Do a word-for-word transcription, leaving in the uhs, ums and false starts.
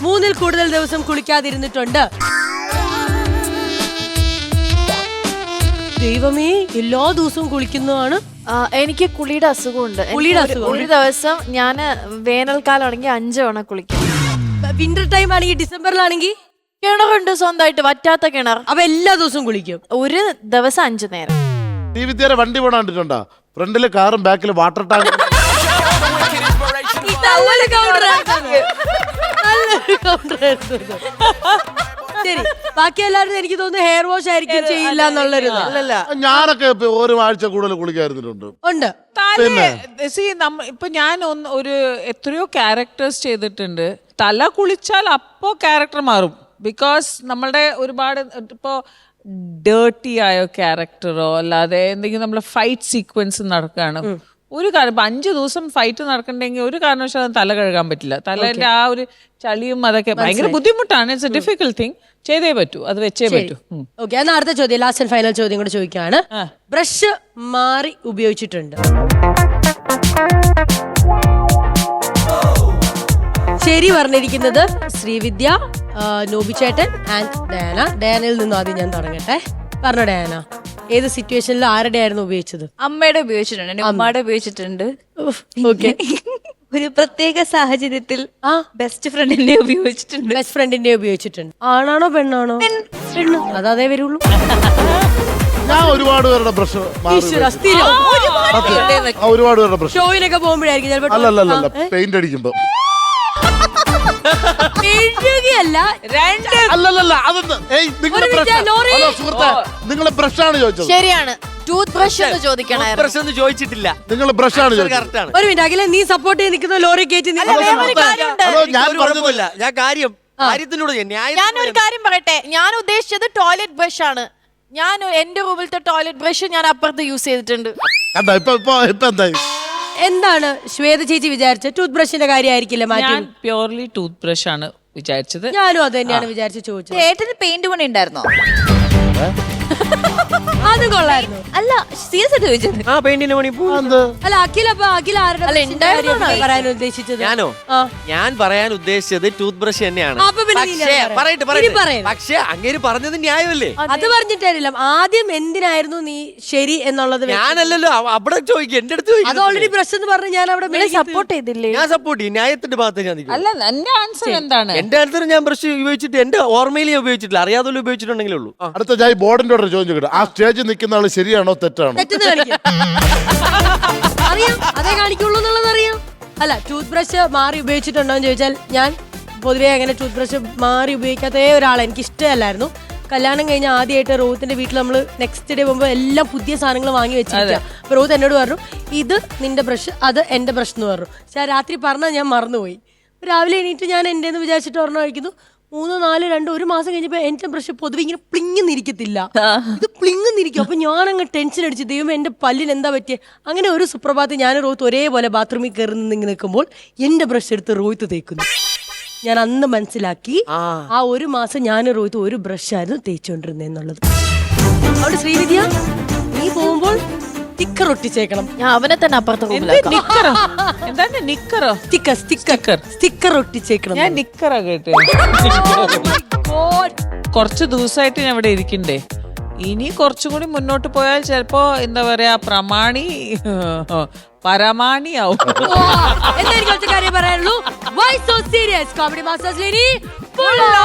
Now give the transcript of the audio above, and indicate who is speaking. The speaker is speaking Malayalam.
Speaker 1: മൂന്നിൽ കൂടുതൽ ദിവസം കുളിക്കാതിരുന്നിട്ടുണ്ട്? ദൈവമേ, എല്ലാ ദിവസവും കുളിക്കുന്നതാണ്.
Speaker 2: എനിക്ക് കുളിയുടെ അസുഖമുണ്ട്.
Speaker 1: കുളിയുടെ അസുഖം
Speaker 2: ഒരു ദിവസം ഞാൻ വേനൽക്കാലം ആണെങ്കിൽ അഞ്ചു തവണ കുളിക്കും.
Speaker 1: വിന്റർ ടൈം ആണെങ്കിൽ, ഡിസംബറിലാണെങ്കിൽ
Speaker 2: കിണറുണ്ട് സ്വന്തമായിട്ട്, വറ്റാത്ത കിണർ.
Speaker 1: അപ്പൊ എല്ലാ ദിവസവും കുളിക്കും.
Speaker 2: ഒരു ദിവസം അഞ്ചു നേരം.
Speaker 3: ഈ വിദ്യാരെ വണ്ടി പോണ കണ്ടിട്ടുണ്ടോ? ഫ്രണ്ടില് കാറും ബാക്കില് വാട്ടർ ടാങ്ക്.
Speaker 1: ശരി, ബാക്കി എല്ലാവരും എനിക്ക് തോന്നുന്നു ഹെയർ വാഷ് ആയിരിക്കും ചെയ്യില്ല എന്നുള്ളൊരു.
Speaker 3: ഞാനൊക്കെ ഒരു ആഴ്ച കൂടുതൽ കുളിക്കാതിരുന്നിട്ടുണ്ട്.
Speaker 1: ഉണ്ട്.
Speaker 4: ഇപ്പൊ ഞാൻ ഒന്ന് ഒരു എത്രയോ ക്യാരക്ടേഴ്സ് ചെയ്തിട്ടുണ്ട്. തല കുളിച്ചാൽ അപ്പോ ക്യാരക്ടർ മാറും. ബിക്കോസ് നമ്മളുടെ ഒരുപാട് ഇപ്പോ ഡേർട്ടി ആയ ക്യാരക്ടറോ അല്ലാതെ എന്തെങ്കിലും നമ്മളെ ഫൈറ്റ് സീക്വൻസ് നടക്കുകയാണ്, ഒരു കാര്യം അഞ്ചു ദിവസം ഫൈറ്റ് നടക്കണ്ടെങ്കിൽ ഒരു കാരണവശാലും തല കഴുകാൻ പറ്റില്ല. തലേന്റെ ആ ഒരു ചളിയും അതൊക്കെ ഭയങ്കര ബുദ്ധിമുട്ടാണ്. It's a difficult thing. ചെയ്തേ പറ്റൂ, അത് വെച്ചേ പറ്റൂ.
Speaker 1: ഓക്കെ, എന്നാൽ അടുത്ത ചോദ്യം, ലാസ്റ്റ് ആൻഡ് ഫൈനൽ ചോദ്യം കൂടെ ചോദിക്കുകയാണ്. ബ്രഷ് മാറി ഉപയോഗിച്ചിട്ടുണ്ട്? ശരി പറഞ്ഞിരിക്കുന്നത് ശ്രീവിദ്യ, നോബിച്ചേട്ടൻ ആൻഡ് ഡയാന. ഡയാനയിൽ നിന്നും ആദ്യം ഞാൻ തുടങ്ങട്ടെ. പറഞ്ഞോ ഡയാന, ഏത് സിറ്റുവേഷനിൽ ആരുടെ ആയിരുന്നു ഉപയോഗിച്ചത്?
Speaker 5: അമ്മയുടെ ഉപയോഗിച്ചിട്ടുണ്ട്, എന്റെ ഉമ്മയുടെ ഉപയോഗിച്ചിട്ടുണ്ട്.
Speaker 1: ഓക്കെ.
Speaker 5: ഒരു പ്രത്യേക സാഹചര്യത്തിൽ ആ ബെസ്റ്റ് ഫ്രണ്ടിന്റെ ഉപയോഗിച്ചിട്ടുണ്ട്.
Speaker 1: ബെസ്റ്റ് ഫ്രണ്ടിന്റെ ഉപയോഗിച്ചിട്ടുണ്ട്. ആണാണോ പെണ്ണാണോ? പെണ്ണ്. അതേ വരുള്ളൂ.
Speaker 3: ഞാൻ ഒരുപാട് പേരുടെ ബ്രഷ് ഒരുപാട് പേരുടെ ബ്രഷ്
Speaker 1: ഷോയിലൊക്കെ പോകുമ്പോഴായിരിക്കും ചിലപ്പോൾ.
Speaker 3: അല്ലല്ല, പെയിന്റ് അടിക്കുമ്പോ. നിങ്ങളെ ബ്രഷാണ് ചോദിച്ചത്.
Speaker 2: ശരിയാണ്, ടൂത്ത് ബ്രഷ് എന്ന് ചോദിക്കണം.
Speaker 6: ചോദിച്ചിട്ടില്ല.
Speaker 3: നിങ്ങൾ ബ്രഷാണ് ചോദിച്ചത്.
Speaker 1: ഒരു മിനിറ്റ് അഖില, നീ സപ്പോർട്ട് ചെയ്ത് നിൽക്കുന്ന ലോറി കയറ്റി.
Speaker 6: ഞാൻ കാര്യം കാര്യത്തിനോട്
Speaker 2: ഞാനൊരു കാര്യം പറയട്ടെ, ഞാൻ ഉദ്ദേശിച്ചത് ടോയ്ലറ്റ് ബ്രഷ് ആണ്. ഞാൻ എന്റെ റൂമിലത്തെ ടോയ്ലറ്റ് ബ്രഷ് ഞാൻ അപ്പുറത്ത് യൂസ് ചെയ്തിട്ടുണ്ട്.
Speaker 1: എന്താണ് ശ്വേത ചേച്ചി വിചാരിച്ചത്? ടൂത്ത് ബ്രഷിന്റെ കാര്യമായിരിക്കില്ല മാറ്റി?
Speaker 4: പ്യൂർലി ടൂത്ത് ബ്രഷ് ആണ് വിചാരിച്ചത്.
Speaker 1: ഞാനും അത് തന്നെയാണ് വിചാരിച്ച് ചോദിച്ചത്.
Speaker 5: ഏട്ടന് പെയിന്റ് പണി ഉണ്ടായിരുന്നോ?
Speaker 1: അത് കൊള്ളായിരുന്നു.
Speaker 5: അല്ല, സീരിയസ് ആയിട്ട് ചോദിച്ചത്.
Speaker 6: ആ പെയിന്റിന് പണി.
Speaker 1: അല്ല അഖില, അപ്പൊ അഖില ആരുടെ പറയാൻ ഉദ്ദേശിച്ചത്?
Speaker 6: ഞാനോ? ഞാൻ പറയാൻ ഉദ്ദേശിച്ചത് ടൂത്ത് ബ്രഷ് തന്നെയാണ്. പക്ഷേ അങ്ങേര് പറഞ്ഞത് ന്യായമല്ലേ?
Speaker 1: അത് പറഞ്ഞിട്ടില്ല. ആദ്യം എന്തിനായിരുന്നു നീ ശരി എന്നുള്ളത്?
Speaker 6: ഞാനല്ലല്ലോ, അവിടെ ചോദിക്കും, എന്റെ അടുത്ത്
Speaker 1: അത് ഓൾറെഡി ബ്രഷ് എന്ന് പറഞ്ഞ് ഞാൻ അവിടെ
Speaker 2: സപ്പോർട്ട് ചെയ്തില്ലേ?
Speaker 6: ഞാൻ സപ്പോർട്ട് ചെയ്യും, ന്യായത്തിന്റെ ഭാഗത്ത് ഞാൻ.
Speaker 4: അല്ല, എന്റെ ആൻസർ എന്താണ്?
Speaker 6: എന്റെ ആൻസർ ഞാൻ ബ്രഷ് ഉപയോഗിച്ചിട്ട് എന്റെ ഓർമ്മയിൽ ഉപയോഗിച്ചിട്ടില്ല, അറിയാതെ ഉപയോഗിച്ചിട്ടുണ്ടെങ്കിലേ ഉള്ളൂ.
Speaker 3: അടുത്ത ഞാൻ ബോർഡിന്റെ ചോദ്യം ചോദിക്കട്ടെ, ആ സ്റ്റേജിൽ നിൽക്കുന്ന ആള് ശരിയാണോ തെറ്റാണോ?
Speaker 1: അറിയാം, അതേ കാണിക്കുള്ളൂ എന്നുള്ളത് അറിയാം. അല്ല, ടൂത്ത് ബ്രഷ് മാറി ഉപയോഗിച്ചിട്ടുണ്ടോ എന്ന് ചോദിച്ചാൽ ഞാൻ പൊതുവേ അങ്ങനെ ടൂത്ത് ബ്രഷ് മാറി ഉപയോഗിക്കാത്ത ഒരാളെ എനിക്ക് ഇഷ്ടമല്ലായിരുന്നു. കല്യാണം കഴിഞ്ഞ ആദ്യമായിട്ട് റോഹത്തിന്റെ വീട്ടിൽ നമ്മൾ നെക്സ്റ്റ് ഡേ പോകുമ്പോൾ എല്ലാം പുതിയ സാധനങ്ങൾ വാങ്ങി വെച്ചിരിക്കുക. അപ്പൊ റോഹത്ത് എന്നോട് പറഞ്ഞു, ഇത് നിന്റെ ബ്രഷ്, അത് എന്റെ ബ്രഷ് എന്ന് പറഞ്ഞു. പക്ഷെ ആ രാത്രി പറഞ്ഞാൽ ഞാൻ മറന്നുപോയി. രാവിലെ എണീറ്റ് ഞാൻ എന്റെ വിചാരിച്ചിട്ട് ഓർമ്മ കഴിക്കുന്നു. മൂന്നോ നാല് രണ്ട് ഒരു മാസം കഴിഞ്ഞപ്പോ എന്റെ ബ്രഷ് പൊതുവെ ഇങ്ങനെ പ്ലിങ്ങുന്നിരിക്കത്തില്ല, ഇത് പ്ലിങ്ങുന്നിരിക്കും. അപ്പൊ ഞാൻ അങ്ങ് ടെൻഷൻ അടിച്ച്, ദൈവം എന്റെ പല്ലിന് എന്താ പറ്റിയ. അങ്ങനെ ഒരു സുപ്രഭാതം ഞാൻ റോഹത്ത് ഒരേപോലെ ബാത്റൂമിൽ കയറി നിന്ന് നിൽക്കുമ്പോൾ എന്റെ ബ്രഷ് എടുത്ത് റോഹത്ത് തേക്കുന്നു. ഞാൻ അന്ന് മനസ്സിലാക്കി ആ ഒരു മാസം ഞാൻ റോഹത്ത് ഒരു ബ്രഷായിരുന്നു തേച്ചുകൊണ്ടിരുന്നെന്നുള്ളത്. അവിടെ ശ്രീവിദ്യ, നീ പോകുമ്പോൾ സ്റ്റിക്കർ ഒട്ടിച്ചേക്കണം.
Speaker 2: ഞാൻ അവനെ തന്നെ അപ്പുറത്ത്
Speaker 1: സ്റ്റിക്കർ ഒട്ടിച്ചേക്കണം.
Speaker 4: ഞാൻ നിക്കറാ കേട്ടെ. കുറച്ച് ദിവസമായിട്ട് ഞാൻ ഇവിടെ ഇരിക്കണ്ടേ. ഇനി കുറച്ചും കൂടി മുന്നോട്ട് പോയാൽ ചിലപ്പോ എന്താ പറയാ, പ്രമാണി പരമാണിയാവും.
Speaker 1: എന്തായിരിക്കും ഒറ്റ കാര്യം പറയാനുള്ളൂ. Why so serious? Comedy Masters Lady.